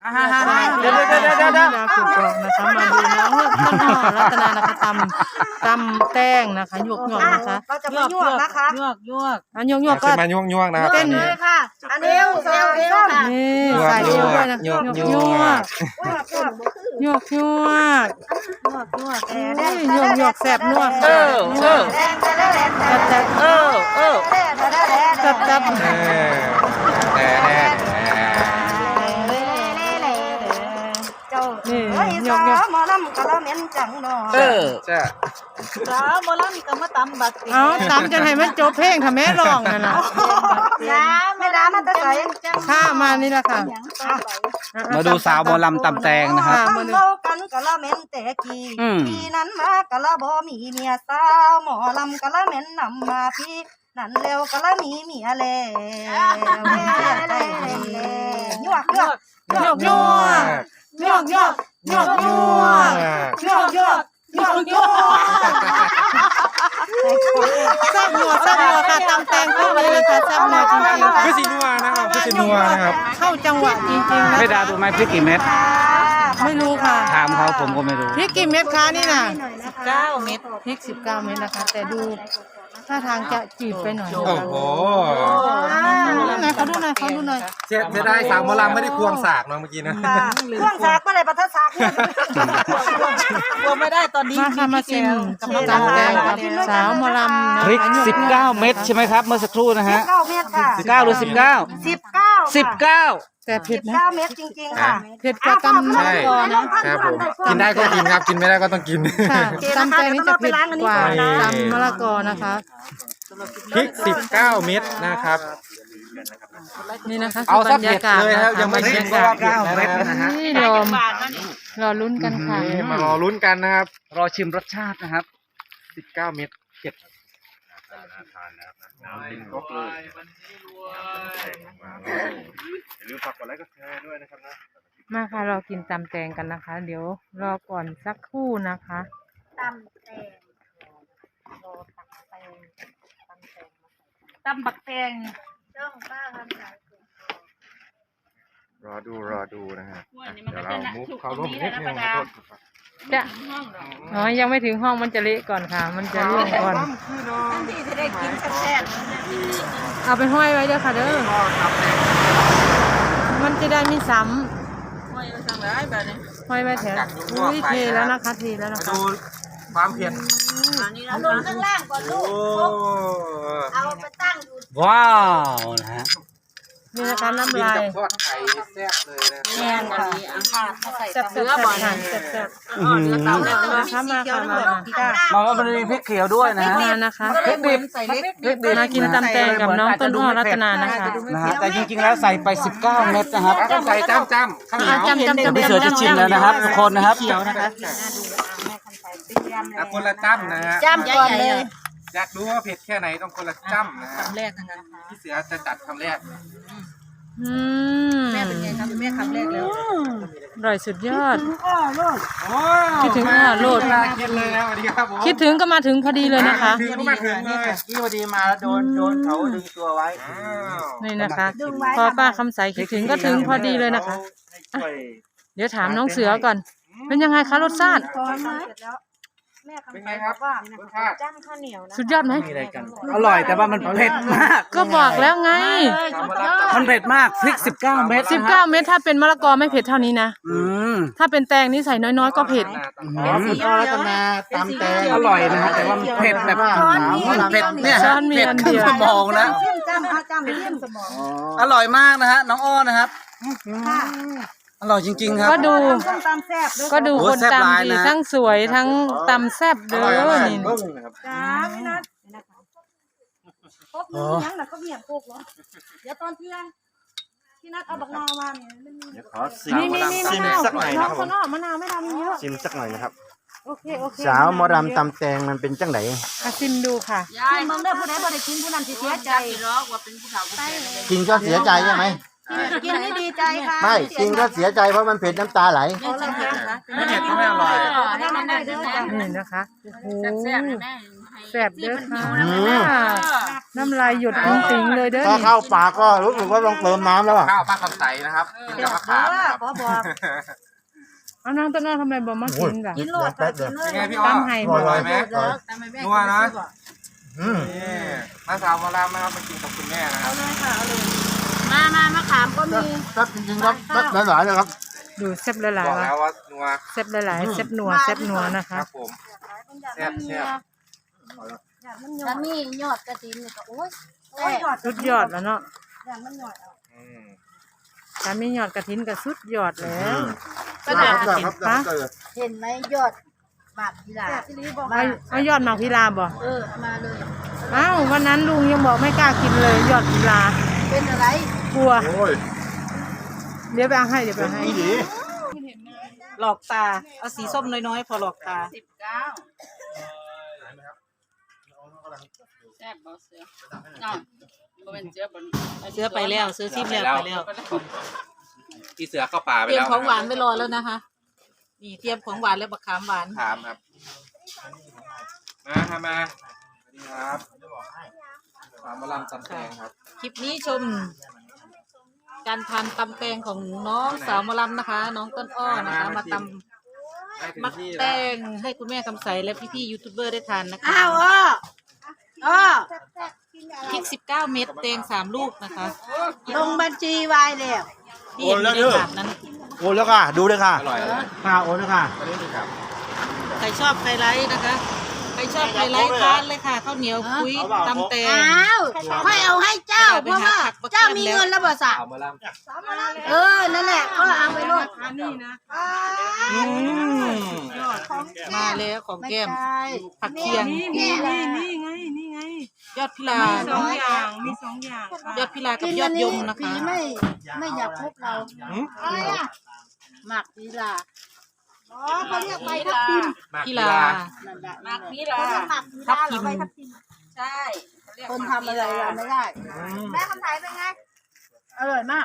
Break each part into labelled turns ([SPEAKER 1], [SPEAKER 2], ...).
[SPEAKER 1] เดี๋ยวถูกบอกนะคะมาดูน้องต้นหอรัตนานะคะตำแต้งนะคะหยวกนะคะ
[SPEAKER 2] เราจะมายั่วนะคะ
[SPEAKER 1] อันหยวกก็
[SPEAKER 3] มาย่วงนะครับ
[SPEAKER 1] เต้น
[SPEAKER 2] เลยค่ะอันนี้เอวค่ะ
[SPEAKER 1] นี่ใส่เอวด้วยนะหยวกหยวกแสบนวดจับนี่หยวก
[SPEAKER 2] หมอลำกะละเม็นจังเนาะ
[SPEAKER 3] จ้ะ
[SPEAKER 4] หมอลำก็มาตำบัก
[SPEAKER 1] เอาตำจะให้มันจบเพลงทำแม่ร้องนั่นน่ะ
[SPEAKER 2] ไม่ได้มาแต่ใส่
[SPEAKER 1] ข้ามานี่แหละค่ะ
[SPEAKER 5] มาดูสาวหมอลำตำแตงนะครับ
[SPEAKER 2] เล่ากันกะละเม็นแต่กี่ปีนั้นมากะละบ่มีเมียสาวหมอลำกะละเม็นนำมาพี่นั่นเร็วกะละมีเมียแล้วยั่ว
[SPEAKER 1] แซ่บนัวค่ะตำแตงเข้าเลยค่ะแซ่บนัวจริงๆ
[SPEAKER 3] คือสีนัวนะครับคือสีนัวนะครับ
[SPEAKER 1] เข้าจังหวะจริงๆนะ
[SPEAKER 5] ไม่ดาดูไหมพริกกี่เม็ด
[SPEAKER 1] ไม่รู้ค่ะ
[SPEAKER 5] ถามเขาผมก็ไม่รู้
[SPEAKER 1] พริกกี่เม็ดคะนี่น่ะ
[SPEAKER 4] 9 เม็ด
[SPEAKER 1] พริก19 เม็ดนะคะ แต่ดูท่าทางจะจืดไปหน่อย
[SPEAKER 3] โอ้โห
[SPEAKER 1] เขาดูหน่อย
[SPEAKER 3] เสียดายสาวหมอลำไม่ได้ควงสากเนาะเมื่อกี้นะ
[SPEAKER 2] เครื่องสากก็เลยปัทสาก
[SPEAKER 4] กลัวไม่ได้ตอนนี้
[SPEAKER 1] มาค่ะมาชิมตำแตงกับสาวหมอลำนะ
[SPEAKER 5] พริก19 เม็ดใช่ไหมครับเมื่อสักครู่นะฮะ
[SPEAKER 2] 9 เม็ดค่ะ
[SPEAKER 5] 19หรือ19 19
[SPEAKER 1] แต่เผ็ดนะ
[SPEAKER 2] 9 เม็ดจริงๆค่ะ
[SPEAKER 1] เผ็ดกว่าตำมะละกอนะครับ
[SPEAKER 3] ผมกินได้ก็กินครับกินไม่ได้ก็ต้องกิน
[SPEAKER 1] ค่ะตำแตงนี่จะเผ็ดกว่าตำมะละกอนะคะ
[SPEAKER 3] พริก19 เม็ดนะครับ
[SPEAKER 1] นี่นะคะ
[SPEAKER 3] เอา
[SPEAKER 1] บ
[SPEAKER 3] สั
[SPEAKER 1] ร
[SPEAKER 3] ก
[SPEAKER 1] ร
[SPEAKER 3] เผ็
[SPEAKER 1] ยา
[SPEAKER 3] ด
[SPEAKER 1] กาศ
[SPEAKER 3] เลยครับยังไม่ชิมก็ว่าเผ็ดแล้วนะฮะ
[SPEAKER 1] นี่รอลุ้นกันค่ะ
[SPEAKER 3] มารอลุ้นกันนะครับ
[SPEAKER 5] รอชิมรสชาตินะครับ
[SPEAKER 3] 19 เม็ดเผ็ด
[SPEAKER 1] มาค่ะเรากินตำแตงกันนะคะ เดี๋ยวรอก่อนสักครู่นะคะ
[SPEAKER 4] ตำบักแตง
[SPEAKER 3] รอดูนะฮะเดี๋ยวเรามุกเขาร่วมนิดนึงนะครับ
[SPEAKER 1] จะอ๋อยังไม่ถึงห้องมันจะเละก่อนค่ะ มันจะร่วงก่อน
[SPEAKER 4] ที่จะได้กินแซ่บ
[SPEAKER 1] เอาไปห้อยไว้เด้อค่ะเด้อมันจะได้ไม่ซ้
[SPEAKER 4] ๆไม่สั่งได้แบบนี้
[SPEAKER 1] ำห้อยไว้แถวอุ้ยเทแล้วนะคะเทแล้วนะคะ
[SPEAKER 3] ดูความเผ็ด
[SPEAKER 2] เอาลงข้างล่างก่อนลู
[SPEAKER 3] โอ้
[SPEAKER 2] กเอาไปตั้งอยู่
[SPEAKER 5] ว้าวนะฮะ
[SPEAKER 1] นี่นะคะน้ำ
[SPEAKER 3] กิน
[SPEAKER 1] ลาย
[SPEAKER 3] กับทอดไข่แซ่บเลยนะ
[SPEAKER 4] แม่นค่ะใส่
[SPEAKER 1] แซ่บๆ
[SPEAKER 4] เนื้อบ่อย
[SPEAKER 1] ค่ะแซ่บ
[SPEAKER 4] เตาแล้ว
[SPEAKER 1] ๆนะคะมาค่ะมา
[SPEAKER 5] มันมีพริกเขียวด้วยนะฮะ
[SPEAKER 1] มานะคะ
[SPEAKER 5] พริกดิบ
[SPEAKER 4] ใส่เล็ก
[SPEAKER 1] มากินตำแตงกับน้องต้นอ้อรัตนานะคะ
[SPEAKER 5] นะฮะแต่จริงๆแล้วใส่ไป19 เม็ดนะครับ
[SPEAKER 3] ต้องใส่จ้ำข้าวเหนียว
[SPEAKER 1] จำ
[SPEAKER 5] เดี๋ยวพี่เสือจะชิมแล้วนะครับทุกคนนะครับ
[SPEAKER 1] เขียวนะคะ
[SPEAKER 3] คนละจ้ำนะฮะ
[SPEAKER 2] จ้ำก่อนเลย
[SPEAKER 3] อยากรู้ว่าเผ็ดแค่ไหนต้องคนละจ้ำนะฮะ
[SPEAKER 4] แรกนะคะ
[SPEAKER 3] พี่เสือจะจัดคำแรก
[SPEAKER 4] แม่เป็นไงครับแม่คำแรกแล้ว
[SPEAKER 1] อร่อยสุดยอด
[SPEAKER 3] โอ้
[SPEAKER 1] คิดถึงโลด
[SPEAKER 3] เวลากินเลยนะสวัสดีครับผม
[SPEAKER 1] คิดถึงก็มาถึงพอดีเลยนะคะ
[SPEAKER 3] ถึงก็มาถึงเลย
[SPEAKER 5] ที่พอดีมาแล้วโดนเขาดึงตัวไว้
[SPEAKER 3] อ้าว
[SPEAKER 1] นี่นะคะ พอป้าคำใสคิดถึงก็ถึงพอดีเลยนะคะ เดี๋ยวถามน้องเสือก่อน เป็นยังไงคะรสชาติ
[SPEAKER 2] แม่
[SPEAKER 3] เป็น
[SPEAKER 2] คำ
[SPEAKER 3] ไง
[SPEAKER 2] ใส
[SPEAKER 3] ครับ
[SPEAKER 2] ว่า
[SPEAKER 3] รสชาติ
[SPEAKER 2] จ้ำข้าวเหนียวนะ
[SPEAKER 1] สุดยอดไหม
[SPEAKER 5] อร่อยแต่ว่ามันเผ็ดมาก
[SPEAKER 1] ก็บอกแล้วไง
[SPEAKER 5] มันเผ็ดมากพริก19 เม็ด
[SPEAKER 1] 19 เม็ดถ้าเป็นมะละกอไม่เผ็ดเท่านี้นะ
[SPEAKER 5] อืม
[SPEAKER 1] ถ้าเป็นแตงนี่ใส่น้อยๆก็เผ็ด
[SPEAKER 3] รัตนาตำแตง
[SPEAKER 5] อร่อยนะฮะแต่ว่ามันเผ็ดแบบมันเผ็ดเนี่ย
[SPEAKER 1] ช้
[SPEAKER 5] ฮะ
[SPEAKER 1] อนมี
[SPEAKER 5] เผ็ด
[SPEAKER 1] อัน
[SPEAKER 5] ขึ้
[SPEAKER 1] เดี
[SPEAKER 5] น
[SPEAKER 1] ยว
[SPEAKER 5] สมองนะ
[SPEAKER 2] เสี่ยมจ้ำเอาจ้ำเสี่ยมสมอง
[SPEAKER 5] อร่อยมากนะฮะน้องอ้อนะครับ อร่อยจริงๆครับ
[SPEAKER 1] ก็ดู
[SPEAKER 2] ส้มตำแซ่บด้วย
[SPEAKER 1] ก็ดู
[SPEAKER 5] โอ้
[SPEAKER 1] คน
[SPEAKER 5] แซ่บหลาย
[SPEAKER 1] ตำดี
[SPEAKER 5] นะ
[SPEAKER 1] ทั้งสวยทั้งตำแซ่บเด้อนี่
[SPEAKER 2] จ้าพี่นัทครบมือยังน่ะก็เมียโคกเหรอเดี๋ยวตอนเที่ยงพี่นัทเอาบักนาวมาเนี่ยมันมี
[SPEAKER 6] ขอซิม
[SPEAKER 1] นี่มะนาว
[SPEAKER 6] สักหน่อย
[SPEAKER 1] น้
[SPEAKER 6] นะ
[SPEAKER 1] อง
[SPEAKER 6] ครับ
[SPEAKER 1] ต้นอ้อมะนาวไม่ทำเยอะ
[SPEAKER 6] ซิมสักหน่อยนะครับ
[SPEAKER 2] โอเค
[SPEAKER 6] สาวหมอรำตำแตงมันเป็นจังไหน
[SPEAKER 1] มาชิมดูค่ะ
[SPEAKER 2] กินเบิ่งเด้อผู้ใดบ่ได้กินผู้นั้นสิเสียใจ
[SPEAKER 6] กินก็เสียใจใช่ไหม
[SPEAKER 2] กินนี่ดีใจค่ะ
[SPEAKER 6] ไม่กินก็เสียใจเพราะมันเผ็ดน้ำตาไหล
[SPEAKER 2] เอาละค่ะ
[SPEAKER 3] ไม่เผ็ดก็ไม่อร่อย
[SPEAKER 2] ให้มันได้เด้อจ้ะ
[SPEAKER 1] นี่นะคะโอ้โหแซ่บเด้อค่ะน้ำลายหยดติ๋งๆเลยเด้อ
[SPEAKER 6] ถ้า
[SPEAKER 1] นี่
[SPEAKER 6] เข้าปากก็รู้สึกว่าต้องเติมน้ำแล้วอ่ะ
[SPEAKER 3] ข้าวป้าคำใสนะครับกินกับมะขามนะครับ
[SPEAKER 2] ขอบอก
[SPEAKER 1] เอานางต้นอ้อทำไมบ่มากินล่ะ
[SPEAKER 2] กินโลดค่ะกินเลย
[SPEAKER 3] เป็นไงพี่อ้อ
[SPEAKER 1] ตำไห้
[SPEAKER 6] อ
[SPEAKER 1] บ่
[SPEAKER 6] ร่อยไหม
[SPEAKER 3] นัวนะ
[SPEAKER 6] อืม
[SPEAKER 3] นี่มาสาวมาลามนะครับมากินกับคุณแม่นะครับ
[SPEAKER 4] มะขามก็มี
[SPEAKER 6] ครับจริงๆครับหลายๆเลยครับ
[SPEAKER 1] ดูแซ่บหลาย
[SPEAKER 3] บอก
[SPEAKER 1] ๆ
[SPEAKER 3] แล้วว่านัว
[SPEAKER 1] แซ่บหลายๆแซ่บนัวแซ่บนัวนะ
[SPEAKER 3] ค
[SPEAKER 1] คะ
[SPEAKER 3] รับผมแซ่บแซ่บ
[SPEAKER 4] ถ้ามียอดกระถินนี่ก็โอ้ย
[SPEAKER 1] สุดยอดแล้วเนาะ
[SPEAKER 3] อืม
[SPEAKER 1] ถ้ามียอดกระถินก็สุดยอดแล้ว
[SPEAKER 6] ก็ได้ครับ
[SPEAKER 1] ฮะ
[SPEAKER 4] เห็นไหมยอดหมากพิลา
[SPEAKER 1] เอายอดหมากพิลาบ่
[SPEAKER 4] มาเลย
[SPEAKER 1] อ้าววันนั้นลุงยังบอกไม่กล้ากินเลยยอดพิลา
[SPEAKER 4] เป็นอะไร
[SPEAKER 1] กลัว
[SPEAKER 6] โอ้ย
[SPEAKER 1] เดี๋ยวไปเอาให้เดี๋ยวไปเอาให้
[SPEAKER 6] นี่ดี
[SPEAKER 4] หลอกตาเอาสีส้มน้อยๆพอหลอกตา
[SPEAKER 7] แซ่บบ่เสือน้องบ่เป็นเสือบ่
[SPEAKER 4] เสื้อไปแล้วซื้อซิมแล้วไปแล้ว
[SPEAKER 3] พี่เสือเข้าป่าไป
[SPEAKER 4] เตรียม
[SPEAKER 3] แล้ว
[SPEAKER 4] ของหวานไว้รอแล้วนะคะ นี่เตรียมของหวานแล้วบักขามหวาน
[SPEAKER 3] ถามครับมาครับมาสวัสดีครับสาวมาลามจำแตงครับ
[SPEAKER 4] คลิปนี้ชม การทานตำแตงของน้องสาวหมอลำนะคะ น้องต้นอ้อนะคะ มาตำมักแตงให้คุณแม่คำใสและพี่ๆยูทูบเบอร์ได้ทานนะคะพริก19 เม็ดแตง3 ลูกนะคะ
[SPEAKER 7] ลงบัญชีไว้แล้ว
[SPEAKER 4] ที่เห็นอยู่ในถาดนั้น
[SPEAKER 6] โอนแล้วค่ะ ดูเลยค่ะ
[SPEAKER 3] อร่อยเลย
[SPEAKER 6] ค่ะโอนแล้วค่ะ
[SPEAKER 3] อันนี้คือครับ
[SPEAKER 4] ใครชอบไฮไลท์นะคะ ใครชอบไฮไลท์ทานเลยค่ะข้าวเหนียวคุยตำแตง
[SPEAKER 7] อ้าวค่อยเอาให้เจ้าเพราะว่าเจ้ามีเงินแล้วบ่สะ
[SPEAKER 3] สาวมาลาม
[SPEAKER 7] นั่นแหละก็เอาไปโลด
[SPEAKER 1] อันนี้นะ
[SPEAKER 3] อืม
[SPEAKER 4] มาแล้วของแก้มผักเคียง
[SPEAKER 1] นี่ไงนี่ไง
[SPEAKER 4] ยอดพิลา
[SPEAKER 1] สองอย่างมีสองอย่างค่ะ
[SPEAKER 4] ยอดพิลากับยอดยมนะคะ
[SPEAKER 7] ผีไม่อยากพบเราอะไรอ่ะหมากพิลาอ๋อเขาเรียกใบทับทิม
[SPEAKER 4] พิลา
[SPEAKER 7] หมากพิลาหมากพิ
[SPEAKER 4] ทั
[SPEAKER 7] ลา
[SPEAKER 4] บ
[SPEAKER 7] ห
[SPEAKER 4] ทิ
[SPEAKER 7] รือ
[SPEAKER 4] ม
[SPEAKER 7] ใบทับทิม
[SPEAKER 4] ใช่
[SPEAKER 7] คนทำอะไรเราไม่ได้แม่คำไทยเป็นไงอร่อยมาก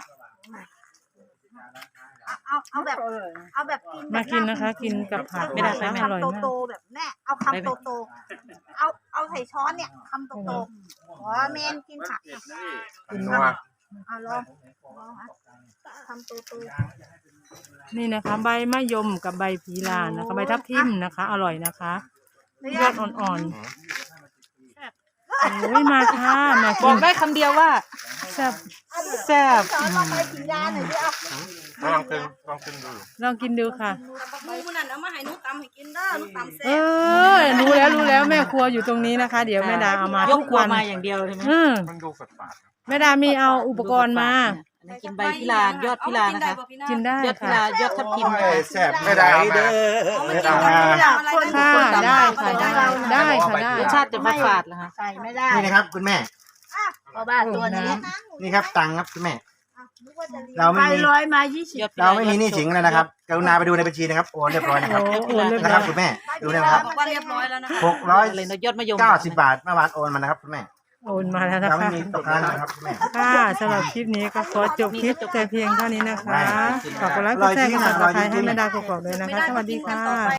[SPEAKER 7] เอาแบบกิน
[SPEAKER 1] มากินนะคะ กินกับผักนะคะอร่อย
[SPEAKER 2] คำ
[SPEAKER 1] มาก
[SPEAKER 2] โตๆแบบแม่เอาคำโตๆเอาใส่ช้อนเนี่ยคำโตๆอ๋อแม่กินผัก
[SPEAKER 3] นัว
[SPEAKER 2] เอาลองคำโต
[SPEAKER 1] นี่นะคะ ใบมะยมกับใบพีลานะคะใบทับทิมนะคะ อร่อยนะคะยอดอ่อนๆโอ้ยมาค่ะมา
[SPEAKER 4] บ
[SPEAKER 1] กิ
[SPEAKER 4] อก
[SPEAKER 1] น
[SPEAKER 4] ได้คำเดียวว่า
[SPEAKER 1] แซ่บแซ่บ
[SPEAKER 2] ๆช้อนลองไปกินยาหน่อยดิเอา
[SPEAKER 3] ลองกินดู
[SPEAKER 1] ลองกินดูค่ะ
[SPEAKER 2] ดูนั่นเอามาให้หนูตำให้กินเด้อหนูตำแซ่
[SPEAKER 1] เอบ รู้แล้วแม่ครัวอยู่ตรงนี้นะคะ เดี๋ยวแม่ดาเอามาย ทุ
[SPEAKER 4] ก
[SPEAKER 1] ก
[SPEAKER 4] ครัว
[SPEAKER 1] วัน
[SPEAKER 4] มาอย่างเดียวใช่ไหม
[SPEAKER 3] มันดูฝาด
[SPEAKER 1] แม่ดามีเอาอุปกรณ์มา
[SPEAKER 4] อันนี้กินใบพิลายอดพิลานะคะ
[SPEAKER 1] กินได้
[SPEAKER 4] ยอดพิ
[SPEAKER 1] ค่ะ
[SPEAKER 4] ลายอดทับทิม
[SPEAKER 6] โอ้ยแซ่บไม่ได้เด้อไม่ได้มา
[SPEAKER 1] ค่ะได้ค่ะได้ค่ะได้
[SPEAKER 4] รสชาติจะมาฝาดเหรอคะ
[SPEAKER 7] ใส่ไม่ได้
[SPEAKER 6] นี่นะครับคุณแม่
[SPEAKER 7] เพราะว่าตัวนี้
[SPEAKER 6] นี่ครับตังค์ครับคุณแม่ เรา
[SPEAKER 7] ไป
[SPEAKER 6] ไม่มี
[SPEAKER 7] ร้อยมา20
[SPEAKER 4] ยอดพิล
[SPEAKER 6] เราไม่มีหนี้สินเลยนะครับ กรุณาไปดูในบัญชีนะครับ โอนเรียบร้อยนะครับ
[SPEAKER 1] โอ้โหเรียบ
[SPEAKER 6] นะค
[SPEAKER 1] ร้
[SPEAKER 6] รั
[SPEAKER 1] อบ ย
[SPEAKER 6] คุณแม่ ดูนะครับ
[SPEAKER 2] ว่าเรียบร้อยแล้วนะคะ
[SPEAKER 4] อะไรนะยอดมะยม
[SPEAKER 6] 690 บาทเมื่อวานโอนมานะครับคุณแม่
[SPEAKER 1] โอนมาแล้วนะ
[SPEAKER 6] เราไม่
[SPEAKER 1] คะ
[SPEAKER 6] มีตกค้างนะครับคุณแม่
[SPEAKER 1] ค่ะสำหรับคลิปนี้ก็ขอจบคลิปแต่เพียงเท่านี้นะคะ ขอบคุณและกดแชร์กดติดตามให้แม่ดากกอกๆด้วยนะคะ สวัสดีค่ะ